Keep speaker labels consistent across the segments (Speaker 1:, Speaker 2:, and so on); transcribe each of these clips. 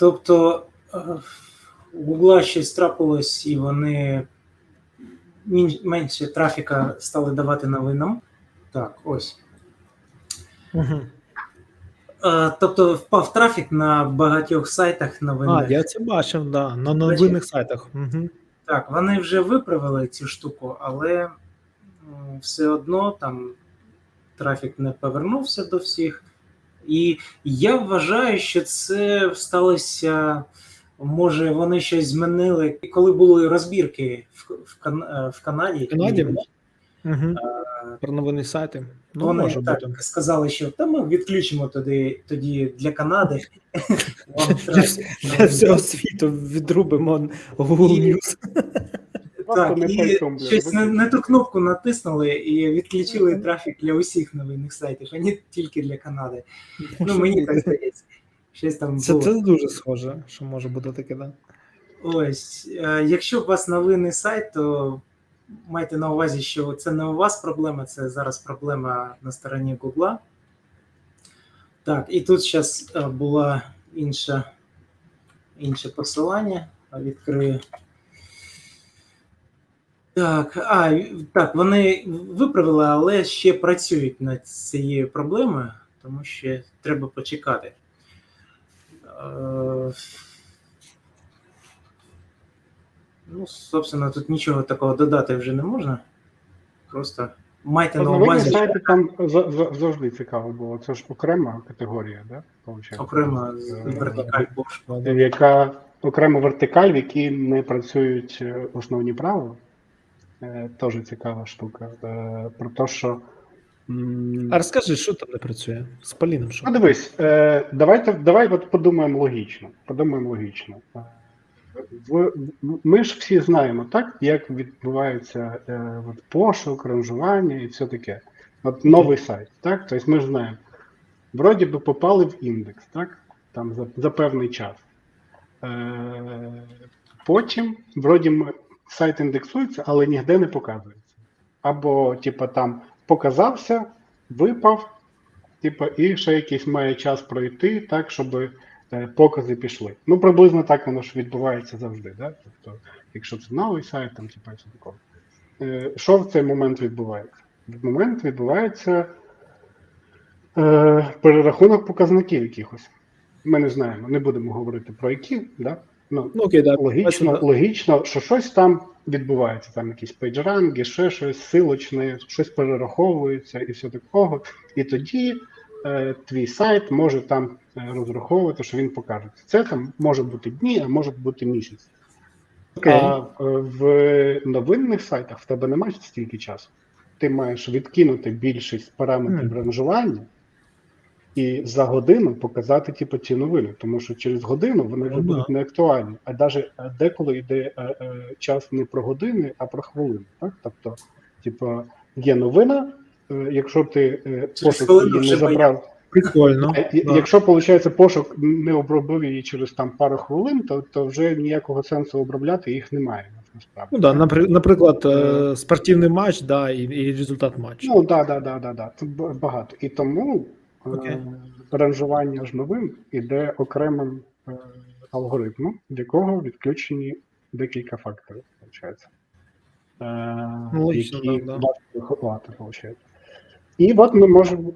Speaker 1: Тобто у Google щось трапилось, і вони менше трафіка стали давати новинам. Так, ось.
Speaker 2: Угу.
Speaker 1: Тобто впав трафік на багатьох сайтах новинних.
Speaker 2: Я це бачив, да, на новинних сайтах. Угу.
Speaker 1: Так, вони вже виправили цю штуку, але все одно там трафік не повернувся до всіх. І я вважаю, що це сталося, може вони щось змінили, коли були розбірки в Канаді.
Speaker 2: Угу. Про новинні сайти.
Speaker 1: Вони
Speaker 2: може
Speaker 1: так
Speaker 2: бути.
Speaker 1: сказали, що ми відключимо тоді для Канади.
Speaker 2: Для всього світу відрубимо Google News.
Speaker 1: Так, і щось не ту кнопку натиснули і відключили трафік для усіх новинних сайтів, а не тільки для Канади. Мені так здається. Щось там було.
Speaker 2: Це дуже схоже, що може бути таке, да?
Speaker 1: Ось, якщо у вас новинний сайт, то майте на увазі, що це не у вас проблема, це зараз проблема на стороні Google. Так, і тут зараз було інше посилання, відкрию. Так, вони виправили, але ще працюють над цією проблемою, тому що треба почекати. Собственно, тут нічого такого додати вже не можна. Просто майте на увазі.
Speaker 3: Сайти там завжди цікаво було. Це ж окрема категорія, да?
Speaker 1: Окрема вертикаль пошуку.
Speaker 3: Яка окрема вертикаль, в якій не працюють основні правила. Теж цікава штука. Про те, що...
Speaker 2: А розкажи, що там не працює? З Поліном що?
Speaker 3: Дивись, давай подумаємо логічно. Ми ж всі знаємо, так, як відбувається пошук, ранжування і все таке. Новий сайт, так? Тобто ми ж знаємо. Вроді би попали в індекс, так? Там за певний час. Потім, вроді сайт індексується, але ніде не показується. Або, там, показався, випав, і ще якийсь має час пройти, так, щоб покази пішли. Приблизно так воно ж відбувається завжди, да? Тобто, якщо це новий сайт, там, все такого. Що в цей момент відбувається? В момент відбувається перерахунок показників якихось. Ми не знаємо, не будемо говорити про які, да? Логічно, що щось там відбувається, там якісь пейджранги, ще щось, силочне, щось перераховується і все такого. І тоді твій сайт може там розраховувати, що він покажеться. Це там може бути дні, а може бути місяць. А в новинних сайтах в тебе немає стільки часу. Ти маєш відкинути більшість параметрів ранжування і за годину показати ці новини, тому що через годину вони вже будуть не актуальні. А навіть деколи йде час не про години, а про хвилини. Так? Тобто, є новина, якщо ти пошук її не забрав,
Speaker 2: прикольно.
Speaker 3: Якщо, виходить, пошук не обробив її через там пару хвилин, то вже ніякого сенсу обробляти їх немає. Насправді.
Speaker 2: Наприклад, спортивний матч, да, і результат матчу.
Speaker 3: Да. Це багато. І тому ранжування ж новин іде окремим алгоритмом, в якого відключені декілька факторів, виходить. Які важко виховати, виходить. І от ми можемо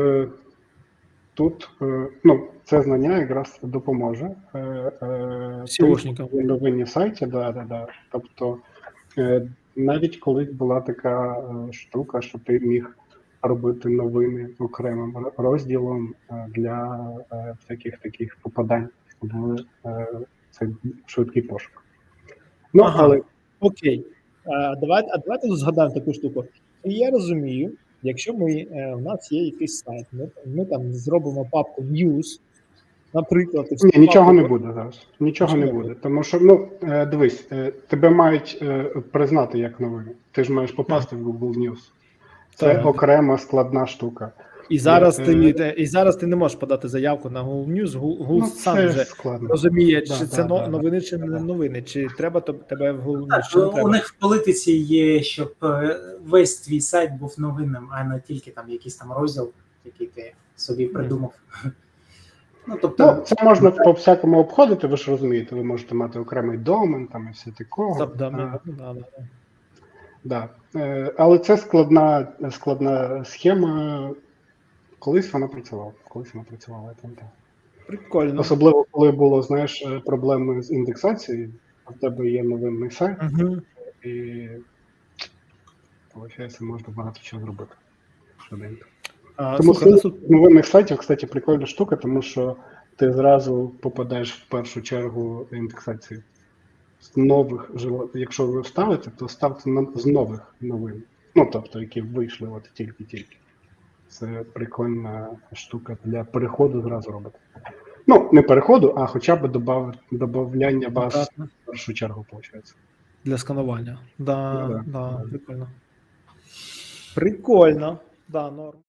Speaker 3: тут, це знання якраз допоможе новинні сайті, да. Тобто, навіть колись була така штука, що ти міг робити новини окремим розділом для всяких таких попадань в цей швидкий пошук. Але...
Speaker 2: Окей. Давайте згадаємо таку штуку. Я розумію, якщо у нас є якийсь сайт, ми там зробимо папку News, наприклад...
Speaker 3: Нічого не буде зараз. Нічого не буде. Тому що, дивись, тебе мають признати як новину. Ти ж маєш попасти в Google News. Це окрема складна штука.
Speaker 2: І зараз ти не можеш подати заявку на Google News. Google сам вже розуміє, чи це новини, чи не новини, чи треба тебе в Google News, чи не треба.
Speaker 1: У них в політиці є, щоб весь твій сайт був новинним, а не тільки там якийсь там розділ, який ти собі придумав. Ну, тобто,
Speaker 3: Ну, це можна по-всякому обходити, ви ж розумієте, ви можете мати окремий домен там і все такого. Да. Але це складна схема. Колись вона працювала, я пам'ятаю.
Speaker 2: Прикольно.
Speaker 3: Особливо, коли було, знаєш, проблеми з індексацією, а в тебе є новинний сайт, і, виходить, можна багато чого зробити. Швиденько. Тому
Speaker 2: Слухай,
Speaker 3: з новинних сайтів, кстати, прикольна штука, тому що ти зразу попадаєш в першу чергу індексацію. З нових, якщо ви ставите, то ставте з нових новин. Ну, тобто, які вийшли от тільки-тільки. Це прикольна штука для переходу зразу робити. Ну, не переходу, а хоча б додавання баз в першу чергу, виходить.
Speaker 2: Для сканування.
Speaker 3: Да.
Speaker 2: Прикольно. Прикольно. Да, норм.